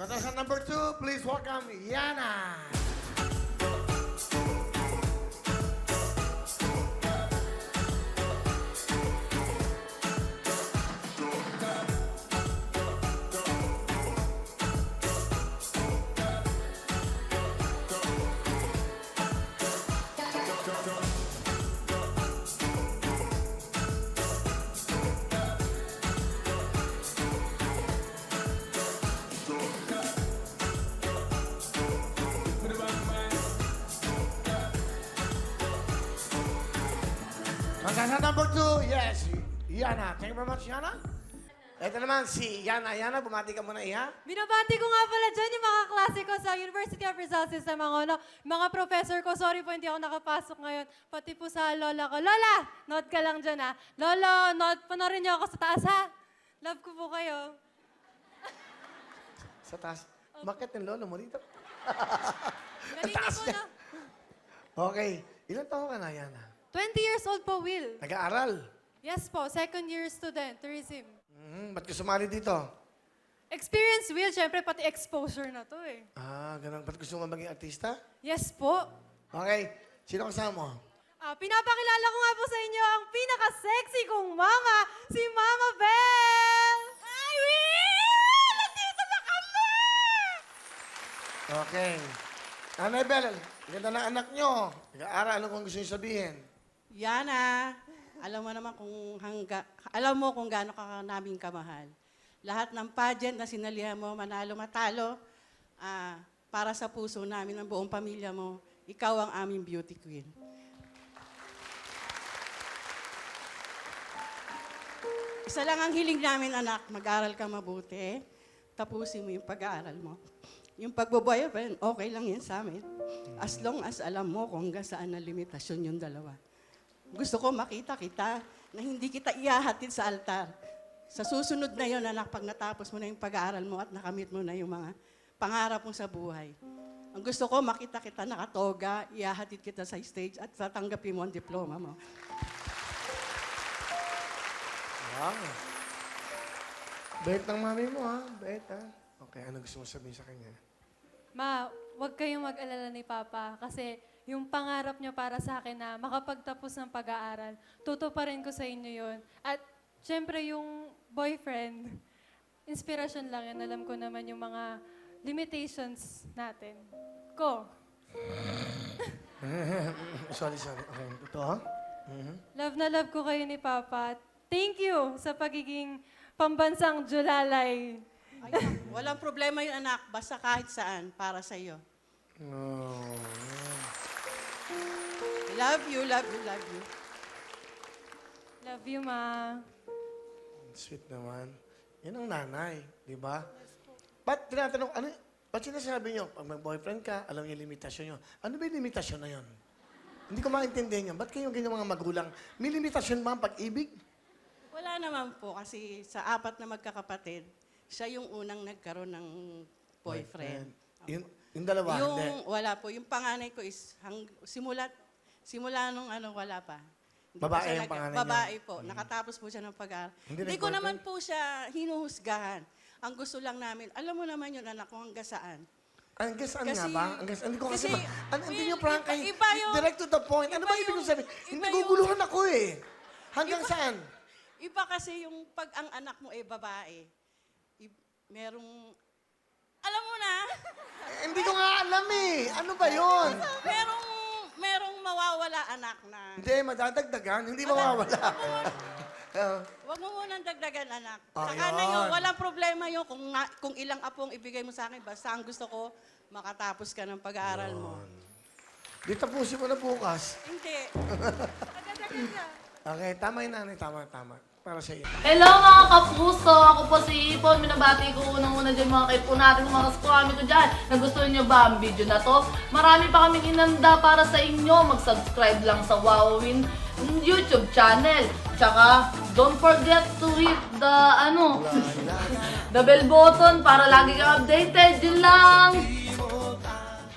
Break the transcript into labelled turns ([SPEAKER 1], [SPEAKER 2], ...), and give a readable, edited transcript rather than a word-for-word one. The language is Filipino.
[SPEAKER 1] Contestant number 2, please welcome Yana. Contestant number 2, yes, Yana. Thank you very much, Yana. Ito naman si Yana. Yana, bumati ka muna, Iha.
[SPEAKER 2] Binabati ko nga pala dyan yung mga klase ko sa University of Rizal System Angono. Mga professor ko, sorry po hindi ako nakapasok ngayon. Pati po sa lola ko. Lola, note ka lang dyan ha. Lolo, note po na rin niyo ako sa taas ha. Love ko po kayo.
[SPEAKER 1] Sa taas. Bakit yung lolo mo dito?
[SPEAKER 2] Galing niyo
[SPEAKER 1] taas
[SPEAKER 2] po
[SPEAKER 1] niya.
[SPEAKER 2] na.
[SPEAKER 1] Okay. Ilan taon ka na, Yana?
[SPEAKER 2] 20 years old po, Will.
[SPEAKER 1] Nag-aaral.
[SPEAKER 2] Yes po, second year student, tourism.
[SPEAKER 1] Ba't ka sumali dito?
[SPEAKER 2] Experience, Will, syempre pati exposure na to eh.
[SPEAKER 1] Ah, ganun. Ba't gusto mo maging artista?
[SPEAKER 2] Yes po.
[SPEAKER 1] Okay. Sino kasama mo?
[SPEAKER 2] Pinapakilala ko nga po sa inyo ang pinaka-sexy kong mama, si Mama Belle! Hi, Will! Nandito na kami!
[SPEAKER 1] Okay. Nanay Bel, ganda ng anak nyo. Nag-aaral, ano kung gusto nyo sabihin?
[SPEAKER 3] Yana, alam mo kung gaano ka namin kamahal. Lahat ng pageant na sinalihan mo, manalo, matalo, para sa puso namin, ng buong pamilya mo, ikaw ang aming beauty queen. Isa lang ang hiling namin, anak, mag-aral ka mabuti, tapusin mo yung pag-aaral mo. Yung pagbo-boyfriend, okay lang yan sa amin. As long as alam mo kung hanggang saan na limitasyon yung dalawa. Gusto ko makita kita na hindi kita ihahatid sa altar. Sa susunod na yon, anak, pag natapos mo na yung pag-aaral mo at nakamit mo na yung mga pangarap mo sa buhay. Ang gusto ko, makita kita nakatoga, ihahatid kita sa stage at tatanggapin mo ang diploma mo.
[SPEAKER 1] Wow. Bait ng mami mo, ha? Bait, ha? Okay, ano gusto mo sabihin sa kanya?
[SPEAKER 2] Ma, huwag kayong mag-alala ni Papa kasi yung pangarap niyo para sa akin na makapagtapos ng pag-aaral, tutuparin ko sa inyo yon. At syempre yung boyfriend, inspirasyon lang yan. Alam ko naman yung mga limitations natin. Ko.
[SPEAKER 1] Sorry. Okay, ito, ha?
[SPEAKER 2] Love na love ko kayo ni Papa. Thank you sa pagiging pambansang Julalay.
[SPEAKER 3] Ay, walang problema yun, anak. Basta kahit saan, para sa iyo.
[SPEAKER 1] Oh.
[SPEAKER 3] Love you, love you, love you.
[SPEAKER 2] Love you, Ma.
[SPEAKER 1] Sweet naman. Yan ang nanay, di ba? Ba't tinatanong, ba't sinasabi nyo, pag mag-boyfriend ka, alam niyo yung limitasyon nyo. Ano ba yung limitasyon na yun? Hindi ko maintindihan yan. Ba't kayo ganyan mga magulang? May limitasyon ba ang pag-ibig?
[SPEAKER 3] Wala naman po kasi sa apat na magkakapatid, siya yung unang nagkaroon ng boyfriend.
[SPEAKER 1] Yung dalawa, hindi.
[SPEAKER 3] Wala po. Yung panganay ko is simula nung wala pa. Hindi
[SPEAKER 1] Babae
[SPEAKER 3] pa siya
[SPEAKER 1] yung panganay niya?
[SPEAKER 3] Babae po. Nakatapos po siya ng pag-aaral. Hindi ko naman po siya hinuhusgahan. Ang gusto lang namin, alam mo naman yun, anak ko, hanggang saan.
[SPEAKER 1] Hanggang saan nga ba? Hindi ko kasi,
[SPEAKER 3] kasi-
[SPEAKER 1] hindi nyo prank kayo.
[SPEAKER 3] iba yung-
[SPEAKER 1] Direct to the point. Ano ba ibig kong sabihin? Hindi naguguluhan ako eh. Hanggang saan?
[SPEAKER 3] Iba kasi yung pag ang anak mo ay babae, merong, alam mo na,
[SPEAKER 1] Hindi ko nga alam eh. Ano ba yun?
[SPEAKER 3] merong mawawala anak na.
[SPEAKER 1] Hindi, madadagdagan. Hindi mawawala.
[SPEAKER 3] Huwag mo munang dagdagan, anak.
[SPEAKER 1] Oh,
[SPEAKER 3] Saka na
[SPEAKER 1] yun.
[SPEAKER 3] yun, walang problema yun kung ilang apong ibigay mo sa akin. Basta ang gusto ko, makatapos ka ng pag-aaral mo.
[SPEAKER 1] Di tapusin mo na bukas.
[SPEAKER 3] Hindi.
[SPEAKER 1] Okay, tama yun, nanay. Tama. Para sa iyo.
[SPEAKER 4] Hello mga kapuso! Ako po si Ipon. Minabati ko unang-una dyan mga kaipo natin, mga kaskwami ko dyan. Nagustuhan nyo ba ang video na to? Marami pa kaming inanda para sa inyo. Mag-subscribe lang sa Wowin YouTube channel. Tsaka, don't forget to hit the, the bell button para lagi kang updated. Yun lang!